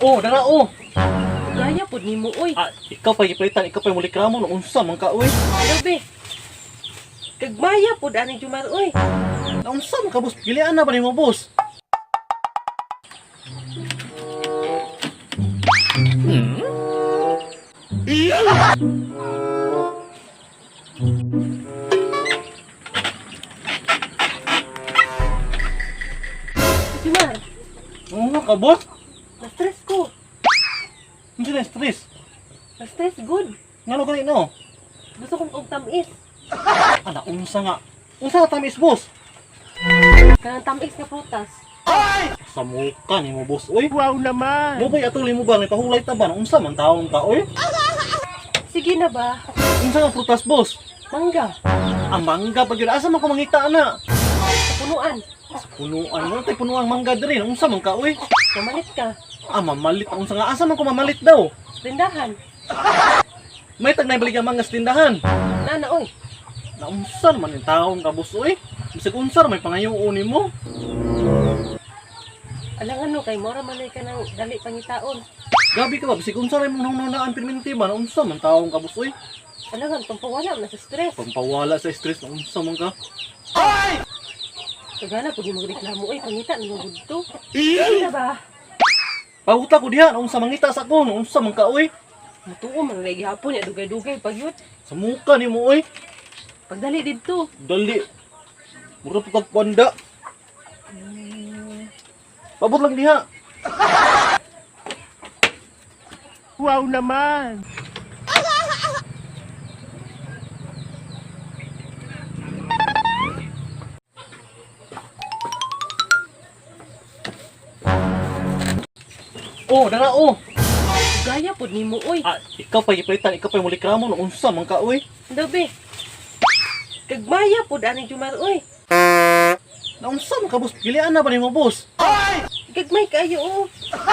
Oh, dara oh. Gaya pud nimo oy. Ikaw pa gipalitan, ikaw pa muli kramo no unsa man ka oy. Grabe. Kagmaya pud ani Jumar oy. Na unsa man ka boss? Pilian na ba nimo boss? Jumar, Ano ka boss? na-stress ko. Unsa na stress? Na-stress good. Ngano gani no? Gusto kong og tamis. Ana unsa nga? Unsa ka tamis boss? Kanang tamis nga prutas. Sa muka nimo boss oy. Wow naman! Mo ba atuli mo ba ni pahulay ta ba? Unsa man taon ka oy? Sige na ba? Unsa nga prutas boss? Mangga. Ang mangga pag yun, asa man ko mangita ana? Sa punuan. Punuan mo tay punuan mangga diri. Unsa man ka oy? Mamalit ka. Mamalit unsa nga asa man ko mamalit daw? Tindahan. May tag naibalik ang mga tindahan. Nana oy. Na unsa man yung taon ka boss oy? Bisag unsa may pangayuon nimo? Alangan no kay mora man ka nang dali pangitaon. Gabi ka ba bisag unsa ray mong nununaan perminti ba? Na unsa man taon ka boss oy? Alangan pampawala na sa stress. Pampawala sa stress na unsa man ka? Kagana pud mo magreklamo oy pangita nimo gudto. Sige na ba? Pahuta ko diha na unsa mangita sa ko, na unsa man ka oy? Matuo man lagi hapon ya dugay-dugay pag yun. Sa muka nimo oy. Pagdali didto. Dali. Mura pa kag panda. Pabot lang diha. Wow naman! Oh, dara oh. Gaya pud nimo oy. Ikaw pa gipalitan, ikaw pa muli kramo no unsa man ka oy. Dabe. Kagmaya pud ani Jumar oy. Na unsa man ka boss? Pilian na ba nimo boss? Gagmay kayo oh.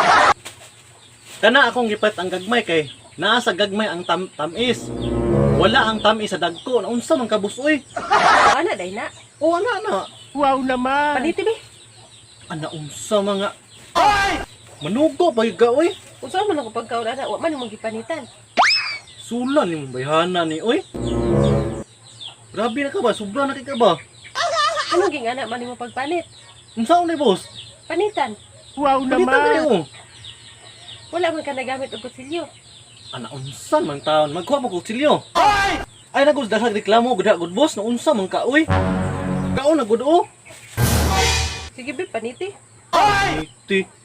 Kana akong gipat ang gagmay kay naa sa gagmay ang tamis. Wala ang tamis sa dagko. Na unsa man ka boss oy? Ana day na. Oh, ana. Wow naman! Paniti be. Ana unsa mga manugo ba yung oy? Unsa man ako pagkaon ana wa man mo gipanitan. Sulan ni mong bayhana ni oy. Grabe na ka ba? Sobra na ka ba? Ano ging ana man mo pagpanit? Unsa ni boss? Panitan. Wow Palitan naman! kayo. Wala man ka nagamit og kutsilyo. Ana unsa man taon? Magkuha mo kutsilyo. Ay nagud dasag reklamo gud gud boss na unsa man ka oy? Kaon na gud oh. Sige be paniti. Iti.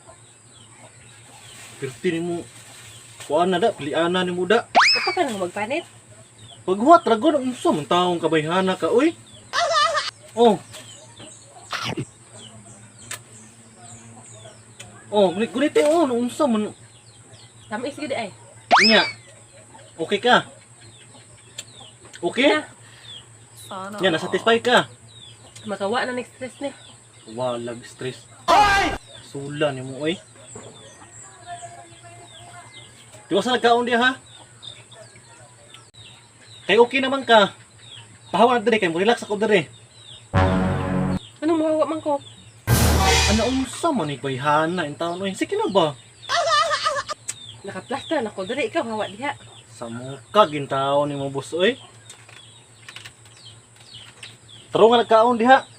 Pirti ni mo. Kuan na da, pilian na ni mo da. Kapag ka nang magpanit. Paghuwat ragon unsa man taong kabayhana ka oy? Oh. Oh, gunite oh, unsa man Tamis gid ay. niya. Okay ka? Okay? Na. Nya, na-satisfy ka? Makawa na next stress ni. Walag stress. Sula ni mo oy. Diwa sa nagkaon diya ha? Kay okay naman ka. Pahawa na diri kay mo relax ako diri. Anong mahawa man ko? Ana unsa man ni bayhana in taon oy? Sige na ba? Nakaplaster na ko diri ikaw hawa diha. Sa muka gintaon ni mo boss oy. Taro nga nagkaon diha.